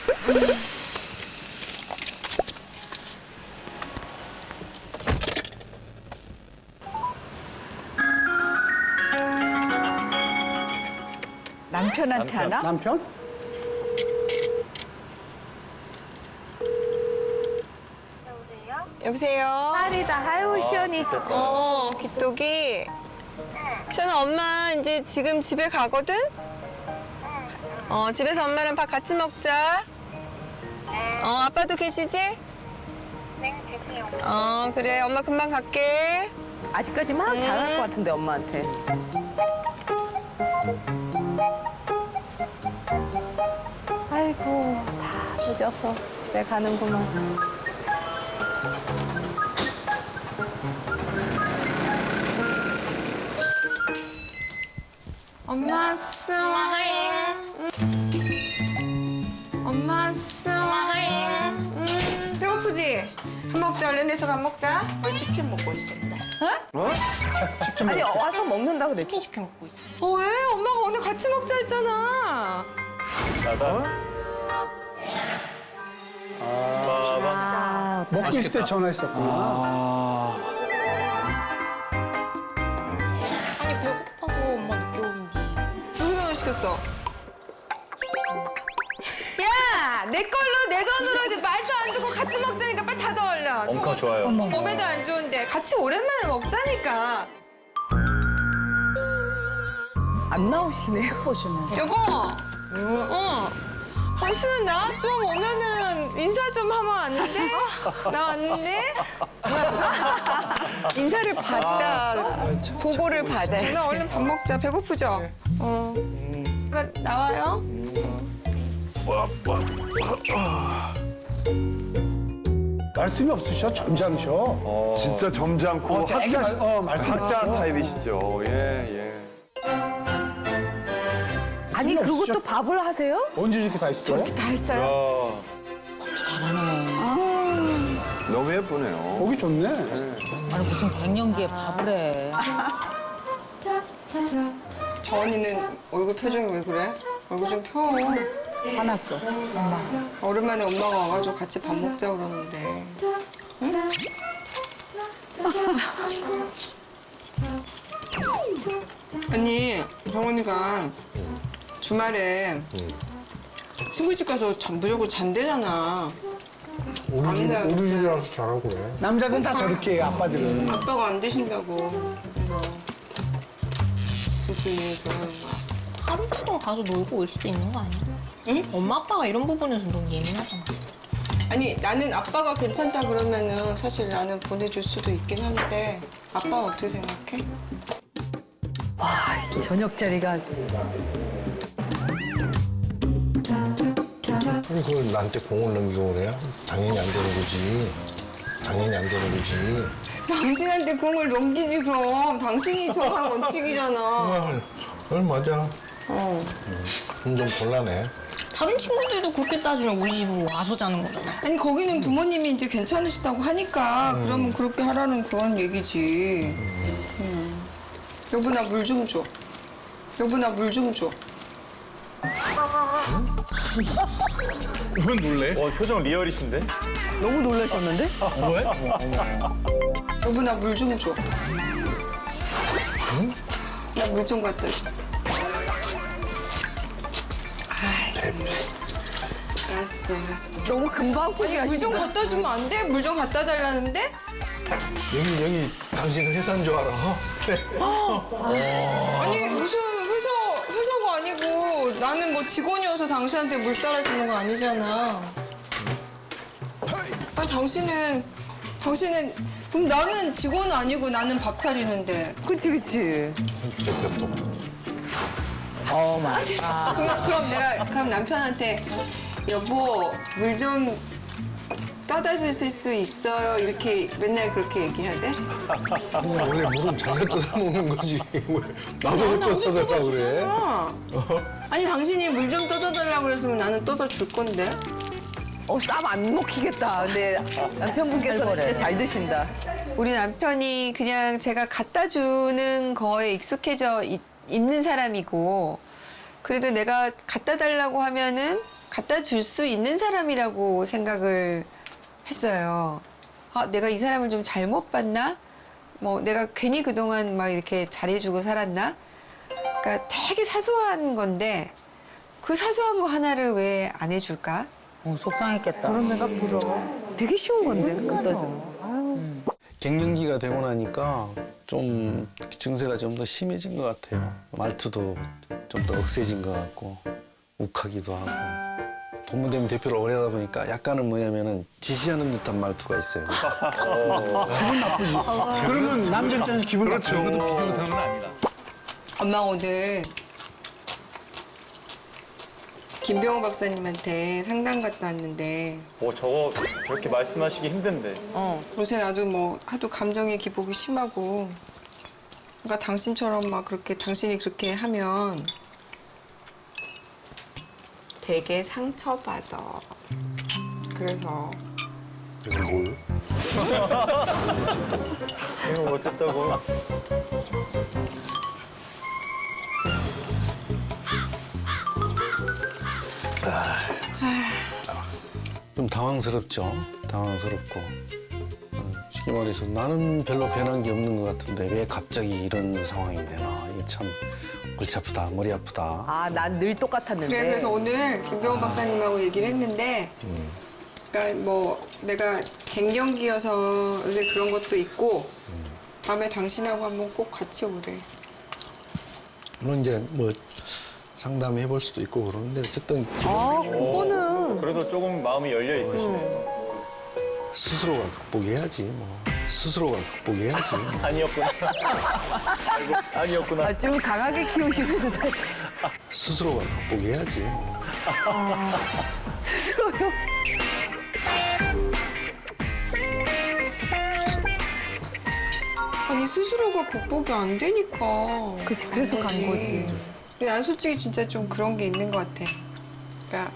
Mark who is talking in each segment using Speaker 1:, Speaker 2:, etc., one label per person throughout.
Speaker 1: 남편한테 하나?
Speaker 2: 남편?
Speaker 3: 여보세요?
Speaker 1: 딸이다. 아유, 시연이.
Speaker 3: 귀뚜기. 시연아, 엄마 이제 지금 집에 가거든? 집에서 엄마랑 밥 같이 먹자. 아빠도 계시지?
Speaker 4: 네, 계세요.
Speaker 3: 그래. 엄마 금방 갈게.
Speaker 1: 아직까지 막 잘할 것 같은데, 엄마한테. 아이고, 다 늦어서 집에 가는구만.
Speaker 3: 엄마 스마일. 엄마 스마일. 배고프지? 밥 먹자. 얼른 해서 밥 먹자.
Speaker 5: 치킨 먹고 있어.
Speaker 1: 아니, 와서 먹는다 그랬지.
Speaker 5: 치킨 먹고 있어.
Speaker 3: 왜? 엄마가 오늘 같이 먹자 했잖아.
Speaker 2: 먹고 있을 때 전화했었구나.
Speaker 5: 아니 배고파서 엄마 늦게 오는데.
Speaker 3: 누구 시켰어? 야! 내 걸로 내 돈으로 이제 말도 안 듣고 같이 먹자니까 빨리 닫아 얼려.
Speaker 6: 엄청 좋아요.
Speaker 3: 몸에도 안 좋은데 같이 오랜만에 먹자니까.
Speaker 1: 안 나오시네요.
Speaker 3: 여보! 당신은 나 좀 오면은 인사 좀 하면 안 돼? 나 왔는데?
Speaker 1: 인사를 받다. 보고를 받아요.
Speaker 3: 나 얼른 밥 먹자. 배고프죠? 나와요?
Speaker 2: 말씀이 없으셔? 점잖으셔?
Speaker 7: 진짜 점잖고
Speaker 2: 되게 말씀
Speaker 7: 학자
Speaker 2: 많고.
Speaker 7: 타입이시죠. 예, 예.
Speaker 1: 아니, 그것도 밥을 하세요?
Speaker 2: 언제 이렇게 다 있어요?
Speaker 1: 다 했어요?
Speaker 7: 너무 예쁘네요.
Speaker 2: 보기 좋네.
Speaker 5: 아니 무슨 갱년기에 밥을 해.
Speaker 3: 저 언니는 얼굴 표정이 왜 그래? 얼굴 좀 펴.
Speaker 5: 화났어. 엄마.
Speaker 3: 오랜만에 엄마가 와가지고 같이 밥 먹자 그러는데. 응? 아니, 정원이가 주말에 친구 집 가서 무조건 잔대잖아.
Speaker 8: 우리 집이라서 잘하고 그래.
Speaker 2: 남자들은 다 저렇게 해요, 아빠들은.
Speaker 3: 아빠가 안 되신다고. 그래서 그렇게 해서
Speaker 5: 하루 정도 가서 놀고 올 수도 있는 거 아니야?
Speaker 3: 응?
Speaker 5: 엄마 아빠가 이런 부분에서 너무 예민하잖아.
Speaker 3: 아니 나는 아빠가 괜찮다 그러면은 사실 나는 보내줄 수도 있긴 한데 아빠는 어떻게 생각해?
Speaker 1: 저녁 자리가 아주.
Speaker 8: 아니 그걸 나한테 공을 넘기고 그래? 당연히 안 되는 거지. 당연히 안 되는 거지.
Speaker 3: 당신한테 공을 넘기지 그럼 당신이 정한 원칙이잖아.
Speaker 8: 맞아.
Speaker 3: 어.
Speaker 8: 좀 곤란해.
Speaker 5: 다른 친구들도 그렇게 따지면 우리 집으로 와서 자는 거잖아.
Speaker 3: 아니 거기는 부모님이 이제 괜찮으시다고 하니까 그러면 그렇게 하라는 그런 얘기지. 여보 나 물 좀 줘. 여보 나 물 좀 줘.
Speaker 6: 왜 놀래? 표정 리얼이신데?
Speaker 1: 너무 놀라셨는데?
Speaker 6: 왜?
Speaker 3: 여보 나 물 좀 줘. 나 물 좀 갖다 줘. 알았어, 알았어.
Speaker 1: 너무 금방
Speaker 3: 아니
Speaker 1: 포기하신다.
Speaker 3: 물 좀 갖다 주면 안 돼? 물 좀 갖다 달라는데?
Speaker 8: 여기 당신 회사인 줄 알아?
Speaker 3: 아니 무슨 회사가 아니고 나는 뭐 직원이어서 당신한테 물 따라주는 거 아니잖아. 아니 당신은 그럼 나는 직원 아니고 나는 밥 차리는데.
Speaker 1: 그치, 그치.
Speaker 8: 대표도.
Speaker 3: 그럼 남편한테 여보 물 좀 떠다 주실 수 있어요? 이렇게 맨날 그렇게 얘기해야 돼?
Speaker 8: 원래 물은 자기가 떠다 먹는 거지. 왜 나도 왜 떠다 그래?
Speaker 3: 아니 당신이 물 좀 떠다 달라고 그랬으면 나는 떠다 줄 건데.
Speaker 1: 쌈 안 먹히겠다. 근데 남편분께서 진짜 잘 드신다.
Speaker 3: 우리 남편이 그냥 제가 갖다 주는 거에 익숙해져 있는 사람이고 그래도 내가 갖다 달라고 하면은 갖다 줄 수 있는 사람이라고 생각을 했어요. 아, 내가 이 사람을 좀 잘못 봤나? 뭐 내가 괜히 그동안 막 이렇게 잘해주고 살았나? 그러니까 되게 사소한 건데 그 사소한 거 하나를 왜 안 해줄까?
Speaker 5: 속상했겠다.
Speaker 1: 그런 생각 들어. 되게 쉬운 건데. 그것도.
Speaker 8: 갱년기가 되고 나니까 좀 증세가 좀 더 심해진 것 같아요. 말투도 좀 더 억세진 것 같고 욱하기도 하고. 법무대행 대표를 오래 하다 보니까 약간은 뭐냐면은 지시하는 듯한 말투가 있어요.
Speaker 2: 기분 나쁘지. 그러면 남자 입장에서 기분 나쁘죠.
Speaker 6: 비교사는 아니다.
Speaker 3: 엄마 오늘 김병호 박사님한테 상담 갔다 왔는데
Speaker 6: 저거 저렇게 말씀하시기 힘든데.
Speaker 3: 요새 나도 뭐 하도 감정의 기복이 심하고 그러니까 당신처럼 막 그렇게 당신이 그렇게 하면 되게 상처받아. 그래서
Speaker 8: 이걸 뭘?
Speaker 6: 이거 어쨌다고.
Speaker 8: 좀 당황스럽죠. 당황스럽고. 쉽게 말해서 나는 별로 변한 게 없는 것 같은데 왜 갑자기 이런 상황이 되나. 이게 참 골치 아프다, 머리 아프다.
Speaker 1: 아, 난 늘 똑같았는데.
Speaker 3: 그래서 오늘 김병호 박사님하고 얘기를 했는데 그러니까 뭐 내가 갱년기여서 요새 그런 것도 있고 다음에 당신하고 한번 꼭 같이 오래.
Speaker 8: 물론 이제 뭐 상담해 볼 수도 있고 그러는데 어쨌든
Speaker 1: 아, 그거는.
Speaker 6: 그래도 조금 마음이 열려 있으시네.
Speaker 8: 스스로가 극복해야지 뭐. 스스로가 극복해야지.
Speaker 6: 아니었구나. 아이고, 아니었구나.
Speaker 1: 아, 좀 강하게 키우시는 스타일.
Speaker 8: 스스로가 극복해야지 뭐.
Speaker 1: 스스로요?
Speaker 3: 아니 스스로가 극복이 안 되니까.
Speaker 1: 그치, 그래서 간 거지.
Speaker 3: 근데 난 솔직히 진짜 좀 그런 게 있는 것 같아. 그러니까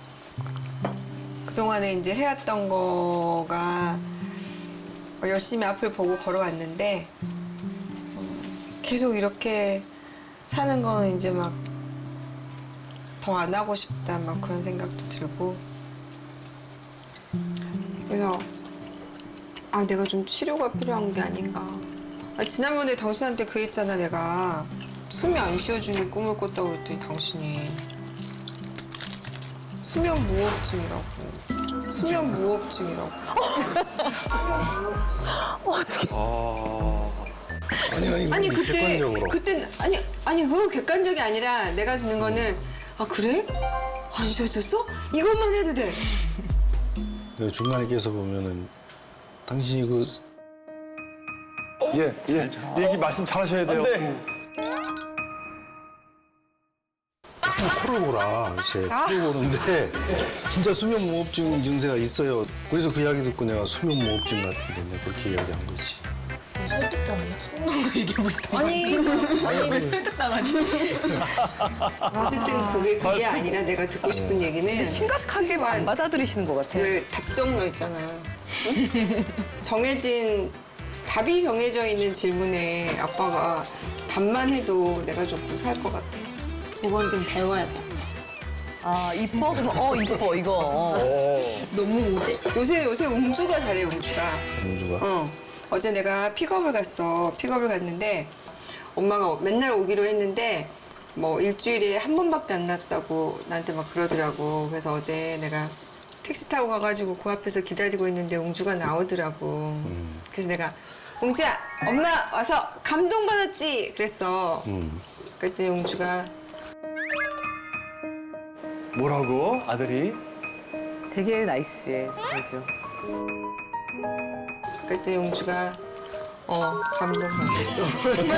Speaker 3: 그동안에 이제 해왔던 거가 열심히 앞을 보고 걸어왔는데 계속 이렇게 사는 거는 이제 막 더 안 하고 싶다 막 그런 생각도 들고 그래서 아 내가 좀 치료가 필요한 게 아닌가. 아, 지난번에 당신한테 그 했잖아 내가 숨이 안 쉬어주는 꿈을 꿨다고 그랬더니 당신이 수면 무호흡증이라고. 수면 무호흡증이라고. 아니 그때
Speaker 8: 객관적으로.
Speaker 3: 그때 아니 그거 객관적이 아니라 내가 듣는 거는 아 그래? 안 쉬어졌어? 이것만 해도 돼.
Speaker 8: 내가 중간에 껴서 보면은 당신이 그
Speaker 7: 예. 얘기 말씀 잘하셔야 돼요.
Speaker 8: 코를 골아 이제 코를 고는데 진짜 수면 무호흡증 증세가 있어요. 그래서 그 이야기 듣고 내가 수면 무호흡증 같은데 내가 그렇게 이야기한 거지.
Speaker 5: 설득당해요? 속는 거 얘기해보니까.
Speaker 3: 아니
Speaker 5: 왜 설득당하지?
Speaker 3: 어쨌든 그게 아니라 내가 듣고 싶은 얘기는
Speaker 1: 심각하게 안 받아들이시는 것 같아.
Speaker 3: 왜 답정너 있잖아. 응? 답이 정해져 있는 질문에 아빠가 답만 해도 내가 조금 살 것 같아.
Speaker 5: 그걸 좀 배워야 돼.
Speaker 1: 아, 이뻐? 그럼 이뻐, 이거.
Speaker 3: 너무 못해. 요새 웅주가 잘해, 웅주가.
Speaker 8: 공주가.
Speaker 3: 어제 내가 픽업을 갔는데 엄마가 맨날 오기로 했는데 뭐 일주일에 한 번밖에 안 났다고 나한테 막 그러더라고. 그래서 어제 내가 택시 타고 가가지고 그 앞에서 기다리고 있는데 웅주가 나오더라고. 그래서 내가 웅주야, 엄마 와서 감동받았지? 그랬어. 그랬더니 웅주가
Speaker 6: 뭐라고? 아들이?
Speaker 1: 되게 나이스해, 맞아.
Speaker 3: 그랬더니 웅주가 감동받았어.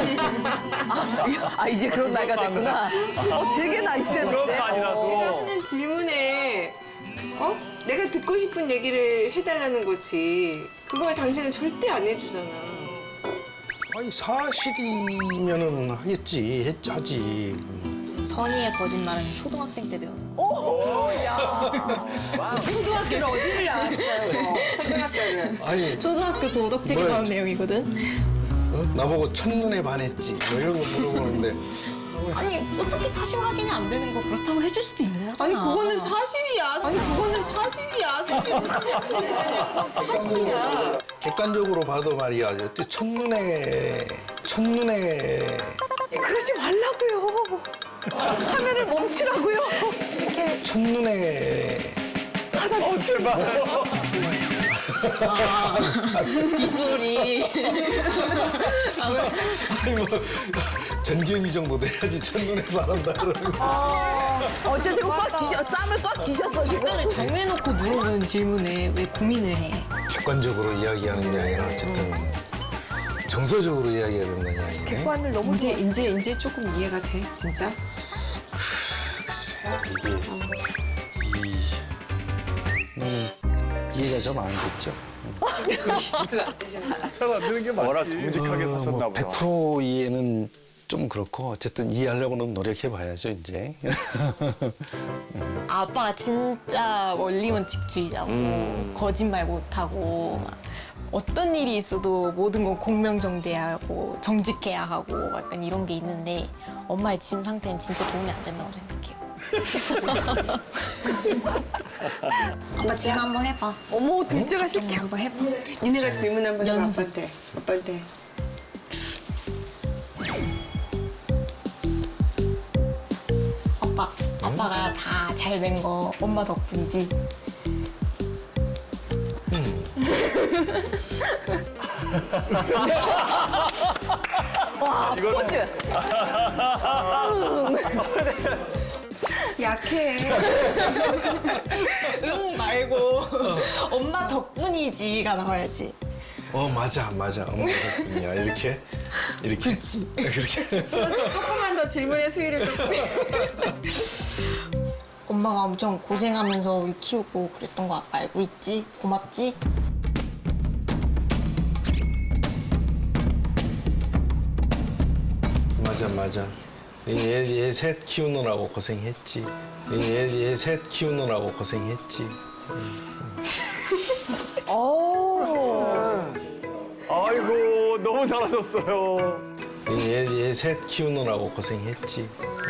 Speaker 1: 아, 이제 그런 나이가 됐구나. 되게 나이스했는데.
Speaker 6: 그런 거 아니라도.
Speaker 3: 내가 하는 질문에 내가 듣고 싶은 얘기를 해달라는 거지. 그걸 당신은 절대 안 해주잖아.
Speaker 8: 아니 사실이면은 하겠지. 하지.
Speaker 5: 선의의 거짓말은 초등학생 때 배우는 거.
Speaker 3: 초등학교를 어디를 나왔어요, 초등학교를.
Speaker 8: 아니
Speaker 5: 초등학교 도덕책에
Speaker 8: 뭐야,
Speaker 5: 나온 내용이거든.
Speaker 8: 나보고 첫눈에 반했지. 뭐 이런 거 물어보는데
Speaker 5: 아니 어차피 사실 확인이 안 되는 거 그렇다고 해줄 수도 있는 거잖아.
Speaker 3: 아니 그거는 사실이야. 아니 그거는 사실이야. 사실 무슨 사실이야. 그건 사실이야.
Speaker 8: 객관적으로 봐도 말이야. 첫눈에
Speaker 1: 그러지 말라고요. 화면을 멈추라고요.
Speaker 8: 첫눈에
Speaker 6: 제발.
Speaker 5: 비주얼이
Speaker 8: 아니 뭐 전기현이 정도 돼야지 첫눈에 반한다 그러는 거지.
Speaker 1: 어째 지금 쌈을 꽉 쥐셨어 지금.
Speaker 5: 답변을 정해놓고 물어보는 질문에 왜 고민을 해?
Speaker 8: 객관적으로 이야기하는 게 아니라 어쨌든 정서적으로 이야기해야 된다는 이야기네.
Speaker 1: 객관을 너무
Speaker 3: 이제 조금 이해가 돼 진짜.
Speaker 8: 글쎄 이게 이해가 좀 안 됐죠.
Speaker 6: 잘안 되는 게 맞지. 워낙 정직하게 사셨나 보다.
Speaker 8: 100% 이해는 좀 그렇고 어쨌든 이해하려고는 노력해봐야죠 이제.
Speaker 5: 아빠가 진짜 원리원칙주의자고 거짓말 못하고 막 어떤 일이 있어도 모든 건 공명정대해야 하고 정직해야 하고 약간 이런 게 있는데 엄마의 짐 상태는 진짜 도움이 안 된다고 생각해요. 아빠 짐 한번 해봐.
Speaker 1: 어머 둘째가
Speaker 5: 좀
Speaker 1: 시켜.
Speaker 5: 한번 해봐.
Speaker 3: 니네가 질문 한번 해봐
Speaker 5: 연습.
Speaker 3: 아빠한테.
Speaker 5: 아빠가 다 잘 된 거 엄마 덕분이지.
Speaker 1: 와 포즈.
Speaker 3: 약해.
Speaker 5: 응 말고 엄마 덕분이지가 나와야지.
Speaker 8: 맞아 엄마 덕분이야 이렇게 그렇지 그렇게.
Speaker 3: 조금만 더 질문의 수위를 조금.
Speaker 5: 엄마가 엄청 고생하면서 우리 키우고 그랬던 거 아빠 알고 있지? 고맙지?
Speaker 8: 맞아. 얘 셋 키우느라고 고생했지. 얘 셋 키우느라고 고생했지.
Speaker 6: 아이고 너무 잘하셨어요.
Speaker 8: 얘 셋 키우느라고 고생했지.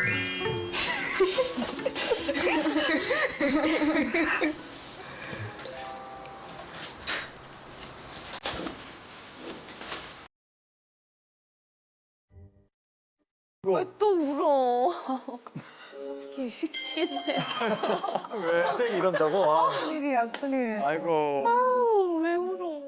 Speaker 1: 왜 또 울어? 어떻게 미치겠네.
Speaker 6: 왜 갑자기 이런다고?
Speaker 1: 큰일이야 큰일.
Speaker 6: 아이고.
Speaker 1: 아우 왜 울어?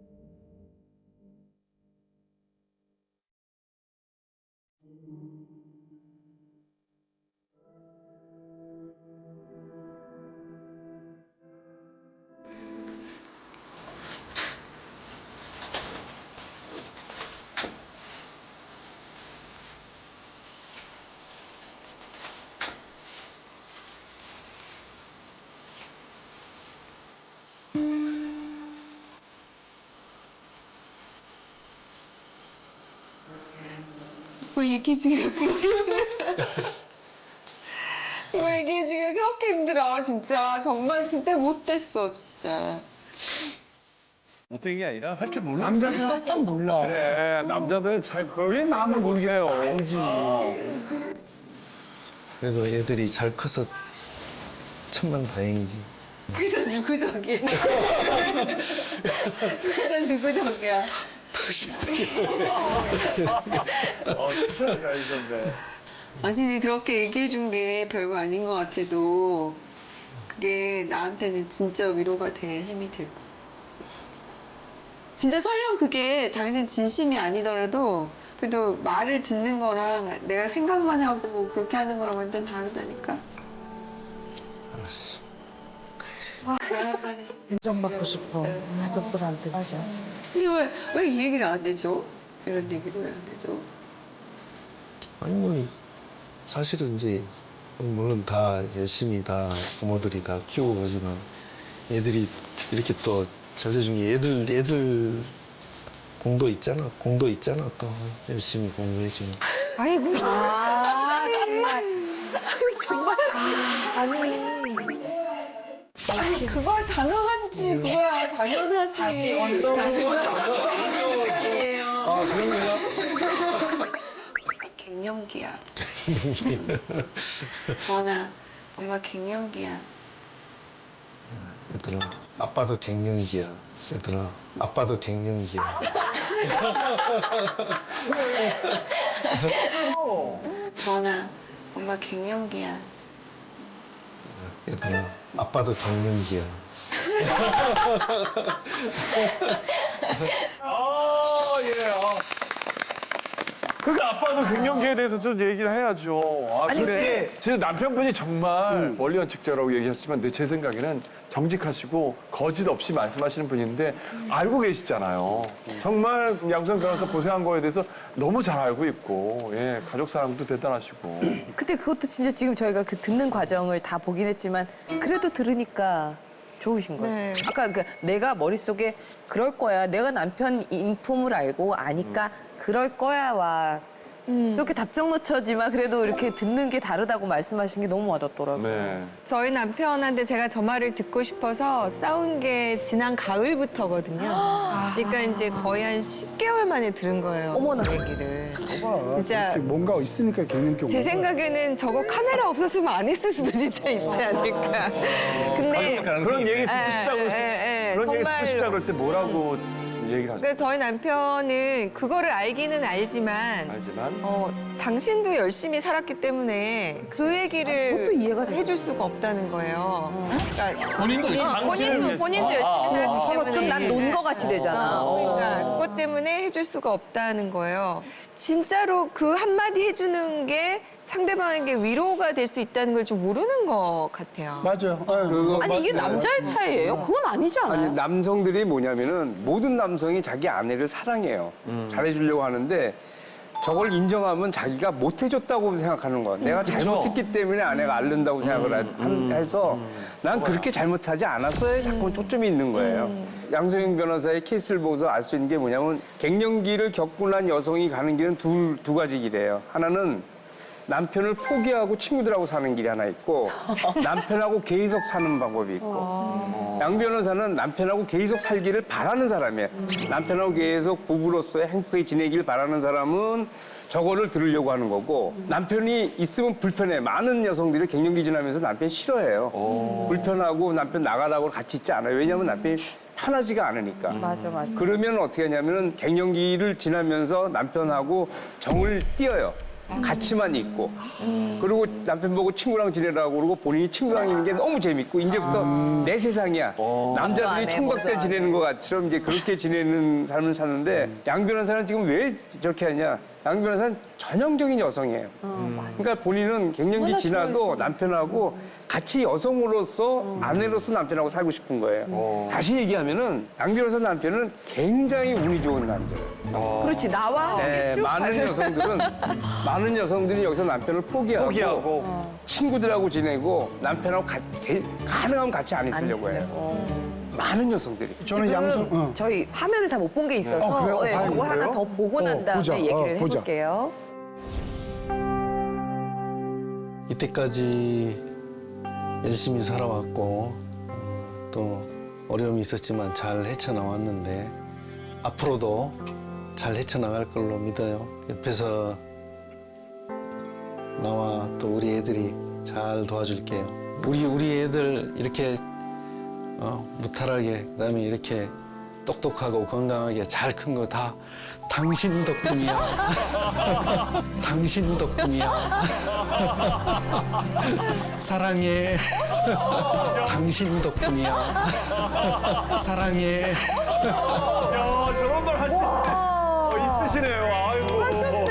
Speaker 3: 왜 얘기 중에 왜 얘기 중에 그렇게 힘들어 진짜. 정말 그때 못됐어 진짜.
Speaker 6: 못된 게 아니라 할 줄 몰라.
Speaker 2: 남자들은 딱 몰라.
Speaker 6: 그래 남자들은 잘
Speaker 2: 왜 남을 모르게 해요?
Speaker 8: 그래도 애들이 잘 커서 천만다행이지.
Speaker 3: 그저 누구적이야. 그저 누구적이야.
Speaker 6: 잘 있었네.
Speaker 3: 아니 그렇게 얘기해 준 게 별거 아닌 것 같아도 그게 나한테는 진짜 위로가 돼. 힘이 되고. 진짜 설령 그게 당신 진심이 아니더라도 그래도 말을 듣는 거랑 내가 생각만 하고 그렇게 하는 거랑 완전 다르다니까.
Speaker 8: 알았어.
Speaker 3: 인정받고 싶어. 가족들한테. 맞아. 근데 왜 이 얘기를 안 해줘? 이런 얘기를 왜 안 해줘?
Speaker 8: 아니 뭐 사실은 이제 물론 다 열심히 다 부모들이 다 키우고 그러지만 애들이 이렇게 또 잘해준 게 애들 공도 있잖아 또 열심히 공부해주고.
Speaker 1: 아이고. 아 정말.
Speaker 3: 아니 그거야 당연하지. 그거야 당연하지. 다시 원점.
Speaker 8: 아 그런 거야?
Speaker 4: 갱년기야. 원아, 엄마 갱년기야.
Speaker 8: 얘들아, 아빠도 갱년기야. 얘들아, 아빠도 갱년기야.
Speaker 4: 원아, 엄마 갱년기야.
Speaker 8: 얘들아, 아빠도 갱년기야.
Speaker 7: 그러니까 아빠도 갱년기에 대해서 좀 얘기를 해야죠. 아, 그래. 진짜 남편분이 정말 원리원칙자라고 얘기하셨지만 제 생각에는 정직하시고 거짓 없이 말씀하시는 분인데 알고 계시잖아요. 정말 양수영 변호사 고생한 거에 대해서 너무 잘 알고 있고, 예, 가족 사랑도 대단하시고.
Speaker 1: 근데 그것도 진짜 지금 저희가 그 듣는 과정을 다 보긴 했지만 그래도 들으니까 좋으신 거죠.
Speaker 3: 네.
Speaker 1: 아까 그 내가 머릿속에 그럴 거야. 내가 남편 인품을 알고 아니까 그럴 거야와 저렇게 답정너처지만 그래도 이렇게 듣는 게 다르다고 말씀하신 게 너무 와닿더라고요.
Speaker 7: 네.
Speaker 3: 저희 남편한테 제가 저 말을 듣고 싶어서 싸운 게 지난 가을부터거든요. 그러니까 이제 거의 한 10개월 만에 들은 거예요.
Speaker 1: 어머나.
Speaker 3: 그 얘기를.
Speaker 2: 진짜
Speaker 3: 진짜
Speaker 2: 뭔가 있으니까 갱년기 온
Speaker 3: 제
Speaker 2: 거야.
Speaker 3: 생각에는 저거 카메라 없었으면 안 했을 수도 진짜 있지 않을까. 근데
Speaker 7: 그런 얘기 듣고 싶다고, 그런 얘기 듣고 싶다 그럴 때 뭐라고 얘기를 하죠?
Speaker 3: 그러니까 저희 남편은 그거를 알기는 알지만
Speaker 7: 알지만.
Speaker 3: 당신도 열심히 살았기 때문에 그 얘기를
Speaker 1: 그것도 이해가 돼요.
Speaker 3: 해줄 수가 없다는 거예요. 그러니까
Speaker 6: 본인도
Speaker 3: 본인도 열심히 살았기 때문에.
Speaker 1: 그럼 난 논 거 같이 되잖아.
Speaker 3: 그러니까 그것 때문에 해줄 수가 없다는 거예요. 진짜로 그 한마디 해주는 게 상대방에게 위로가 될 수 있다는 걸 좀 모르는 것 같아요.
Speaker 2: 맞아요.
Speaker 1: 아니 이게 남자의 차이예요? 그건 아니지 않아요?
Speaker 9: 아니 남성들이 뭐냐면은 모든 남성이 자기 아내를 사랑해요. 잘해주려고 하는데 저걸 인정하면 자기가 못해줬다고 생각하는 거야. 내가 잘못했기 때문에 아내가 앓는다고 생각을 해서 난 그렇게 잘못하지 않았어요. 자꾸 초점이 있는 거예요. 양소영 변호사의 케이스를 보고서 알 수 있는 게 뭐냐면 갱년기를 겪고 난 여성이 가는 길은 두 가지 길이에요. 하나는 남편을 포기하고 친구들하고 사는 길이 하나 있고 남편하고 계속 사는 방법이 있고 양 변호사는 남편하고 계속 살기를 바라는 사람이에요. 남편하고 계속 부부로서의 행복하게 지내길 바라는 사람은 저거를 들으려고 하는 거고 남편이 있으면 불편해. 많은 여성들이 갱년기 지나면서 남편 싫어해요. 불편하고 남편 나가라고 같이 있지 않아요. 왜냐하면 남편이 편하지가 않으니까.
Speaker 1: 맞아.
Speaker 9: 그러면 어떻게 하냐면은 갱년기를 지나면서 남편하고 정을 띄어요. 같이만 있고 그리고 남편 보고 친구랑 지내라고 그러고 본인이 친구랑 있는 게 너무 재밌고 이제부터 내 세상이야. 남자들이
Speaker 1: 안 해,
Speaker 9: 총각들
Speaker 1: 뭐도 안
Speaker 9: 지내는 것 같처럼 이제 그렇게 지내는 삶을 사는데 양 변호사는 지금 왜 저렇게 하냐. 양 변호사는 전형적인 여성이에요. 그러니까 본인은 갱년기 지나도 남편하고 같이 여성으로서 아내로서 남편하고 살고 싶은 거예요. 다시 얘기하면은 양 변호사 남편은 굉장히 운이 좋은 남자예요.
Speaker 1: 그렇지 나와
Speaker 9: 네,
Speaker 1: 쭉
Speaker 9: 많은 여성들이 여기서 남편을 포기하고 친구들하고 지내고 남편하고 가능하면 같이 안 있으려고 해요. 많은 여성들이.
Speaker 2: 저는
Speaker 1: 지금
Speaker 2: 양성.
Speaker 1: 저희 화면을 다 못 본 게 있어서
Speaker 2: 그래요?
Speaker 1: 예,
Speaker 2: 봐요,
Speaker 1: 그걸 하나
Speaker 2: 그래요?
Speaker 1: 더 보고 난 다음에
Speaker 2: 보자.
Speaker 1: 얘기를
Speaker 2: 보자.
Speaker 1: 해볼게요.
Speaker 8: 이때까지 열심히 살아왔고 또 어려움이 있었지만 잘 헤쳐나왔는데 앞으로도 잘 헤쳐나갈 걸로 믿어요. 옆에서 나와 또 우리 애들이 잘 도와줄게요. 우리 애들 이렇게 무탈하게 그다음에 이렇게 똑똑하고 건강하게 잘 큰 거 다 당신 덕분이야. 당신 덕분이야. 사랑해. 당신 덕분이야. 사랑해.
Speaker 7: 야, 저런 말 있으시네요. 아이고.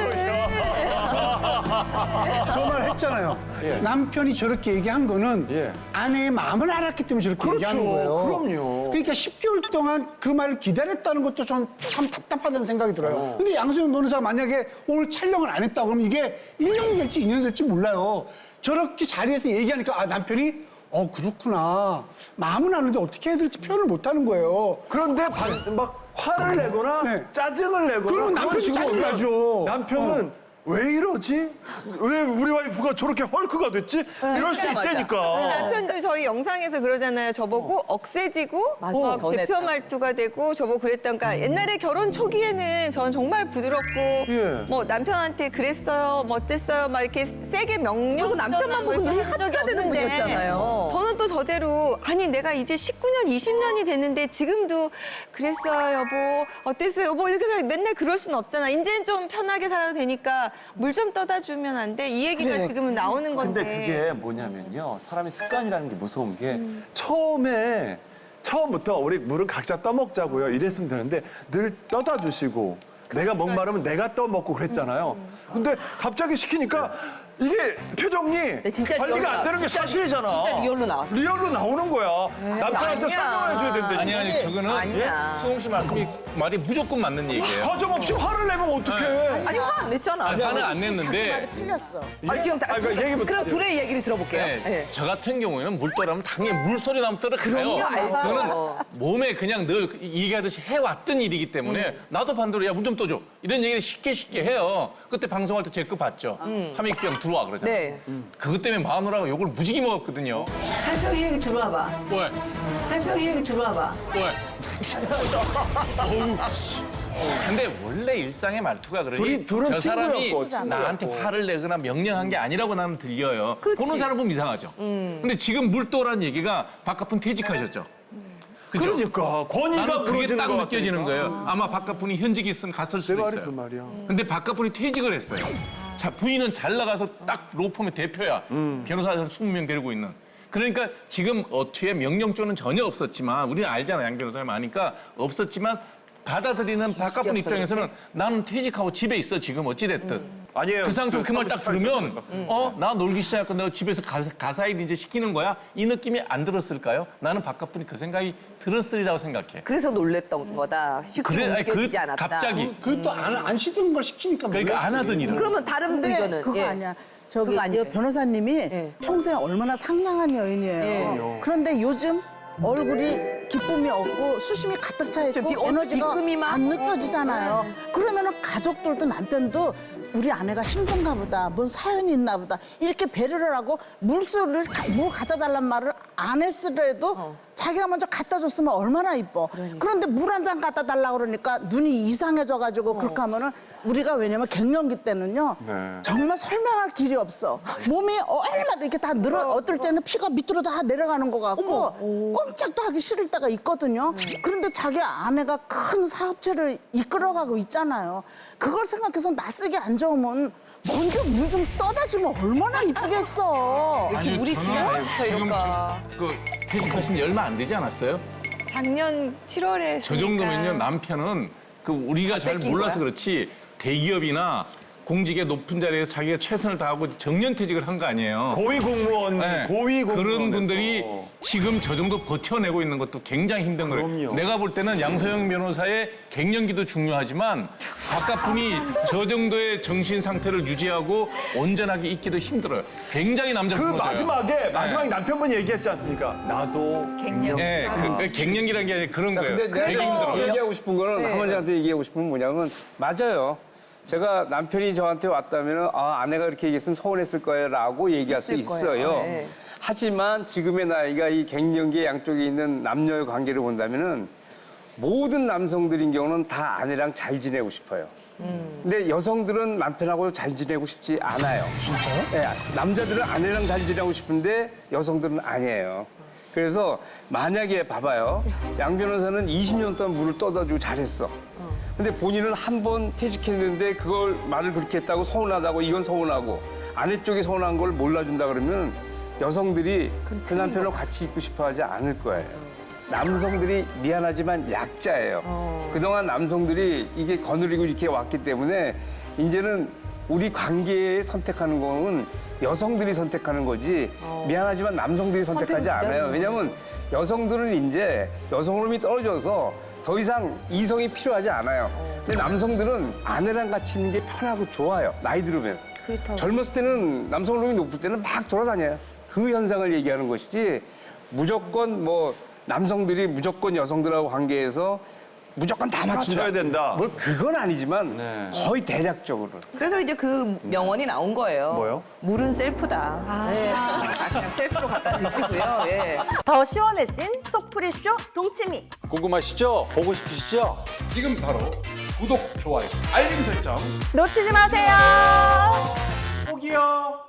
Speaker 2: 저 말 했잖아요. 남편이 저렇게 얘기한 거는
Speaker 7: 예.
Speaker 2: 아내의 마음을 알았기 때문에 저렇게 얘기하는 거예요.
Speaker 7: 그럼요.
Speaker 2: 그러니까 10개월 동안 그 말을 기다렸다는 것도 전 참 답답하다는 생각이 들어요. 근데 양소영 변호사가 만약에 오늘 촬영을 안 했다 그러면 이게 1년이 될지 2년이 될지 몰라요. 저렇게 자리에서 얘기하니까 남편이 그렇구나. 마음은 아는데 어떻게 해야 될지 표현을 못 하는 거예요.
Speaker 7: 그런데 막 화를 내거나
Speaker 2: 네.
Speaker 7: 짜증을 내거나
Speaker 2: 그러면 남편이
Speaker 7: 그런 식으로
Speaker 2: 짜증나죠.
Speaker 7: 남편은 왜 이러지? 왜 우리 와이프가 저렇게 헐크가 됐지? 이럴 수
Speaker 1: 맞아.
Speaker 7: 있다니까.
Speaker 3: 남편도 저희 영상에서 그러잖아요. 저보고 억세지고
Speaker 1: 맞아.
Speaker 3: 막
Speaker 1: 변했다.
Speaker 3: 대표 말투가 되고 저보고 그랬던가. 옛날에 결혼 초기에는 전 정말 부드럽고
Speaker 7: 예.
Speaker 3: 뭐 남편한테 그랬어요, 뭐 어땠어요, 막 이렇게 세게 명령.
Speaker 1: 그리고 남편만 보고 눈이 하트가 되는 분이었잖아요.
Speaker 3: 저는 또 저대로 아니 내가 이제 19년, 20년이 됐는데 지금도 그랬어요, 여보, 어땠어요, 여보 이렇게 맨날 그럴 순 없잖아. 이제는 좀 편하게 살아도 되니까 물 좀 떠다 주면 안 돼? 이 얘기가 지금은 나오는 건데.
Speaker 7: 근데 그게 뭐냐면요. 사람의 습관이라는 게 무서운 게 처음부터 우리 물은 각자 떠먹자고요. 이랬으면 되는데 늘 떠다 주시고 내가 목마르면 내가 떠먹고 그랬잖아요. 근데 갑자기 시키니까 이게 표정이
Speaker 1: 진짜
Speaker 7: 관리가
Speaker 1: 리얼로
Speaker 7: 안 되는 게
Speaker 1: 진짜
Speaker 7: 사실이잖아.
Speaker 1: 진짜 리얼로 나왔어.
Speaker 7: 리얼로 나오는 거야. 남편한테
Speaker 1: 아니야.
Speaker 7: 설명을 해줘야 된대.
Speaker 6: 아니 저거는
Speaker 1: 아니야.
Speaker 6: 수홍 씨 말이 무조건 맞는 얘기예요.
Speaker 7: 가정없이 화를 내면 어떡해.
Speaker 1: 아니 화 안 냈잖아.
Speaker 6: 화는 안 냈는데
Speaker 5: 틀렸어.
Speaker 1: 아니, 지금
Speaker 7: 그러니까 얘기부터
Speaker 1: 그럼 둘의 얘기를 들어볼게요.
Speaker 6: 네,
Speaker 1: 네.
Speaker 6: 저 같은 경우에는 물떠라면 당연히 물소리 나면 떨어가요.
Speaker 1: 그럼요, 알죠.
Speaker 6: 그거는 몸에 그냥 늘 얘기하듯이 해왔던 일이기 때문에 나도 반대로 야 물 좀 떠줘 이런 얘기를 쉽게 해요. 그때 방송할 때 제 거 봤죠. 함익병 들어와 그러잖아요.
Speaker 1: 네.
Speaker 6: 그것 때문에 마누라가 욕을 무지개 먹었거든요.
Speaker 10: 한평이 여기 들어와봐.
Speaker 6: 왜?
Speaker 10: 한평이 여기 들어와봐.
Speaker 6: 왜? 근데 원래 일상의 말투가 그러니
Speaker 7: 둘은
Speaker 6: 저 사람이
Speaker 7: 친구였고,
Speaker 6: 나한테 화를 내거나 명령한 게 아니라고 나는 들려요.
Speaker 1: 그렇지.
Speaker 6: 보는 사람 보면 이상하죠. 근데 지금 물도라는 얘기가 바깥분 퇴직하셨죠. 그죠?
Speaker 7: 그러니까 권위가
Speaker 6: 나는 그게
Speaker 7: 무너지는
Speaker 6: 딱
Speaker 7: 것
Speaker 6: 느껴지는
Speaker 7: 같으니까.
Speaker 6: 거예요. 아마 바깥분이 현직이 있으면 갔을
Speaker 7: 내
Speaker 6: 수도
Speaker 7: 말이
Speaker 6: 있어요.
Speaker 7: 그 말이야.
Speaker 6: 근데 바깥분이 퇴직을 했어요. 자, 부인은 잘 나가서 딱 로펌의 대표야. 변호사 한 20명 데리고 있는. 그러니까 지금 어투에 명령조는 전혀 없었지만 우리는 알잖아. 양 변호사님 아니까 없었지만 받아들이는 바깥분 입장에서는 나는 퇴직하고 집에 있어 지금 어찌됐든.
Speaker 7: 아니에요.
Speaker 6: 그 상태에서 그 말 딱 들으면
Speaker 7: 있었으니까.
Speaker 6: 나 놀기 시작하고 내가 집에서 가사일 이제 시키는 거야? 이 느낌이 안 들었을까요? 나는 바깥분이 그 생각이 들었으리라고 생각해.
Speaker 1: 그래서 놀랬던 거다. 쉽게 움직여지지 않았다.
Speaker 6: 갑자기
Speaker 2: 그것도 안 시키는 걸 시키니까
Speaker 6: 그러니까 안 하던 일을.
Speaker 1: 그러면 다른
Speaker 11: 근데
Speaker 1: 의견은
Speaker 11: 그거
Speaker 1: 예.
Speaker 11: 아니야. 저기
Speaker 1: 그거 아니에요.
Speaker 11: 이 변호사님이
Speaker 1: 예.
Speaker 11: 평소에 얼마나 상냥한 여인이에요. 그런데 요즘 얼굴이 기쁨이 없고 수심이 가득 차
Speaker 1: 좀
Speaker 11: 있고 에너지가
Speaker 1: 비끔이만?
Speaker 11: 안 느껴지잖아요. 그러면은 가족들도 남편도 우리 아내가 힘든가 보다, 뭔 사연이 있나 보다 이렇게 배려를 하고 물 갖다 달란 말을 안 했으래도 자기가 먼저 갖다 줬으면 얼마나 이뻐. 그런데 물 한 잔 갖다 달라 그러니까 눈이 이상해져가지고 그렇게 하면은 우리가 왜냐면 갱년기 때는요 정말 설명할 길이 없어. 몸이 얼마나 이렇게 다 어떨 때는 피가 밑으로 다 내려가는 것 같고 꼼짝도 하기 싫을 때가 있거든요. 그런데 자기 아내가 큰 사업체를 이끌어가고 있잖아요. 그걸 생각해서 낯쓰기 안 좋으면 먼저 물 좀 떠다 주면 얼마나 이쁘겠어.
Speaker 1: 이렇게 물이 지날 때부터
Speaker 6: 지금
Speaker 1: 이럴까.
Speaker 6: 그 퇴직하신 지 얼마 안 되지 않았어요?
Speaker 3: 작년 7월에
Speaker 6: 저 정도면요 남편은 그 우리가 잘
Speaker 1: 뺏긴
Speaker 6: 몰라서
Speaker 1: 거야?
Speaker 6: 그렇지 대기업이나 공직의 높은 자리에서 자기가 최선을 다하고 정년퇴직을 한 거 아니에요.
Speaker 7: 고위 공무원,
Speaker 6: 네.
Speaker 7: 고위 공무원.
Speaker 6: 그런 분들이 지금 저 정도 버텨내고 있는 것도 굉장히 힘든 거예요.
Speaker 7: 그럼요.
Speaker 6: 내가 볼 때는 양소영 변호사의 갱년기도 중요하지만 바깥분이 저 정도의 정신 상태를 유지하고 온전하게 있기도 힘들어요. 굉장히 남자
Speaker 7: 그
Speaker 6: 변호사예요.
Speaker 7: 마지막에 남편분이 얘기했지 않습니까? 나도
Speaker 6: 네, 그 갱년기라는 게 아니라 그런 거예요.
Speaker 9: 근데
Speaker 6: 되게
Speaker 9: 내가
Speaker 6: 힘들어.
Speaker 9: 얘기하고 싶은 거는 할머니한테 얘기하고 싶은 건 뭐냐면 맞아요. 제가 남편이 저한테 왔다면 아내가 이렇게 얘기했으면 서운했을 거예요라고 얘기할 수
Speaker 1: 했을 거예요.
Speaker 9: 있어요.
Speaker 1: 네.
Speaker 9: 하지만 지금의 나이가 이 갱년기 양쪽에 있는 남녀의 관계를 본다면은 모든 남성들인 경우는 다 아내랑 잘 지내고 싶어요. 근데 여성들은 남편하고 잘 지내고 싶지 않아요. 진짜요? 네, 남자들은 아내랑 잘 지내고 싶은데 여성들은 아니에요. 그래서 만약에 봐봐요. 양 변호사는 20년 동안 물을 떠다 주고 잘했어. 근데 본인은 한 번 퇴직했는데 그걸 말을 그렇게 했다고 서운하다고 이건 서운하고 아내 쪽이 서운한 걸 몰라준다 그러면 여성들이 그 남편을 같이 있고 싶어 하지 않을 거예요. 남성들이 미안하지만 약자예요. 그동안 남성들이 이게 거느리고 이렇게 왔기 때문에 이제는 우리 관계에 선택하는 거는 여성들이 선택하는 거지 미안하지만 남성들이 선택하지 않아요. 왜냐하면 여성들은 이제 여성 호르몬이 떨어져서 더 이상 이성이 필요하지 않아요. 근데 남성들은 아내랑 같이 있는 게 편하고 좋아요. 나이 들으면. 젊었을 때는 남성 호르몬이 높을 때는 막 돌아다녀요. 그 현상을 얘기하는 것이지 무조건 뭐 남성들이 무조건 여성들하고 관계에서 무조건 다 맞춘다.
Speaker 7: 맞춰야 된다.
Speaker 9: 뭘 그건 아니지만
Speaker 7: 네.
Speaker 9: 거의 대략적으로.
Speaker 1: 그래서 이제 그 명언이 나온 거예요.
Speaker 7: 뭐요?
Speaker 1: 물은 셀프다. 네. 그냥 셀프로 갖다 드시고요. 예.
Speaker 12: 더 시원해진 속풀이쇼 동치미.
Speaker 7: 궁금하시죠? 보고 싶으시죠? 지금 바로 구독, 좋아요, 알림 설정
Speaker 12: 놓치지 마세요.
Speaker 7: 꼭이요.